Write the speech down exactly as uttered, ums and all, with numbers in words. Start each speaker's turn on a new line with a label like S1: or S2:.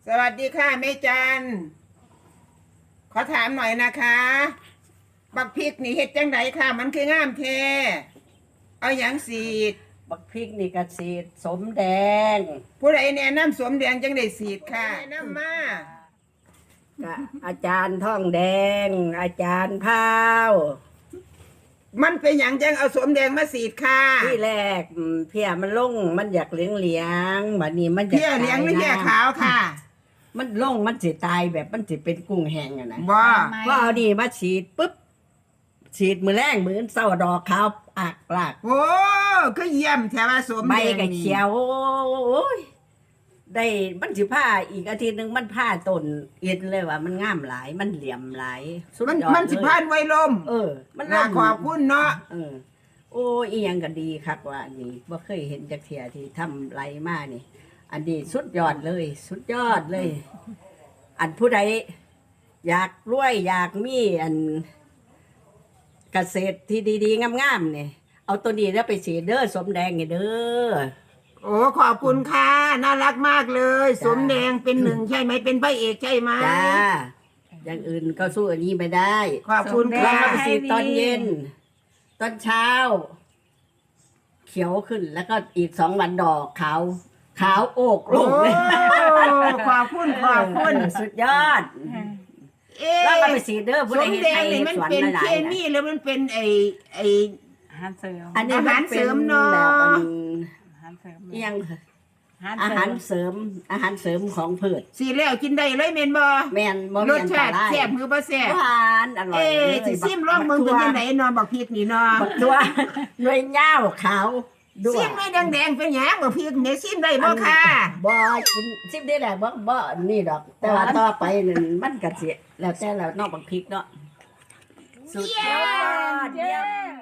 S1: สวัสดีค่ะแม่จันขอถามหน่อยนะคะบักพริกนี่เฮ็ดจังไดค่ะ มันคืองามแท้เอาหยังสีด
S2: บักพริกนี่ก็สีดสมแดง
S1: ผู้ใดแนะนำสวมแดงจังได้สีดค่ะแนะนำมา
S2: ก็อาจารย์ท่องแดง อาจารย์พาว
S1: มันเป็นหยังจังเอาสวมแดงมาสีดค่ะ
S2: ที่แรกอืมเพียมันลงมันอยากเหลียงเหลียงบัดนี้มันอยาก
S1: เพี้ยเหลียงหรือเพี้ยขาวค่ะ
S2: มันลงมันสิตายแบบมันสิเป็นกุ้งแห้งอะนะ
S1: บ่
S2: ก็เอาดีมาฉีดปุ๊บฉีดมือแรงมือเศร้าดอกขาวอากปลาก
S1: โอ้ก็เยี่ยมแถวว่าสวม
S2: ใบ
S1: แดง
S2: ก็
S1: นี่
S2: เขียวโอ้ยได้มันสิผ้าอีกอาทิตย์หนึงมันผ้าต้นเอ็นเลยว่ามันงามหลายมันเหลี่ยมหลายสุด
S1: มัน
S2: ยอด
S1: มันสิ
S2: เลย
S1: พานไว้ลม
S2: เออ มัน
S1: น่า
S2: ล่ม
S1: ขอบคุณเนาะ
S2: เออ โอ้อีหยังก็ดีคักว่าอันนี้บ่เคยเห็นจักเทียที่ทำไรมานี่ อันนี้สุดยอดเลย สุดยอดเลย อันผู้ใดอยากรวยอยากมีอันเกษตรที่ดีๆงามๆเนี่ยเอาตัวนี้แล้วไปสีเด้อสมแดงนี่เด้อ
S1: โอ้ขอบคุณค่ะน่ารักมากเลย
S2: จ้า
S1: สวมแดงเป็นหนึ่งใช่ไหมเป็นพระเอกใช่ไหม
S2: จ้าอย่างอื่นก็สู้อันนี้ไม่ได้
S1: ขอบคุณ
S2: เรา
S1: ค่ะ
S2: มาไปสีตอนเย็น ตอนเช้า เขียวขึ้นแล้วก็อีกสองวันดอกขาวขาวโอกโล
S1: โอ้
S2: กเลย
S1: ขอบคุณขอบคุณ
S2: เออสุดยอด
S1: เอ๊ะ
S2: แล้วก็ไปสีเด้อผู้
S1: ส
S2: ใด
S1: ม
S2: เห็น
S1: แด
S2: ไท
S1: ง
S2: ย
S1: นี่
S2: เห็น
S1: มัน
S2: สวน
S1: เป็น
S2: หลา
S1: เค
S2: ยๆ
S1: มี
S2: นะ
S1: แล้วมันเป็นไอไอไอ
S3: อาหารเสริม
S2: อันนี้
S1: อาหารเสริมเนอะ
S2: แบบอัน
S3: อาหารเสริม
S2: เอียง
S3: อา
S2: อา
S3: หา
S2: หาร ร
S3: เสริม
S2: เสริม อาหารเสริมของพืช
S1: สีแล้วกินได้เลยเมนบอ
S2: แม่นบ่
S1: ร
S2: มี
S1: ส
S2: อันต
S1: ชาติ
S2: ราย
S1: แซ่บมือบ่แซ่บ
S2: หวานอร่อย
S1: เอ๊ะ
S2: เลย
S1: สิซิมลองมึงเป็นยังไงเนอบอกพริกนี่เนอ
S2: บักตัวหน่วยเหย้าขาวด้ว
S1: ซิ
S2: ย
S1: มไม่แดงๆเป็นหยังบอกพริกเนี่ยซิมได้บ่ค่ะ
S2: บ่กินซิมได้แหละบ่บ่นี่ดอก แต่ว่าต่อไปนั่นมันก็สิแล้วแต่แล้วนอกบักพริกเนาะสุดยอดเยี่ยม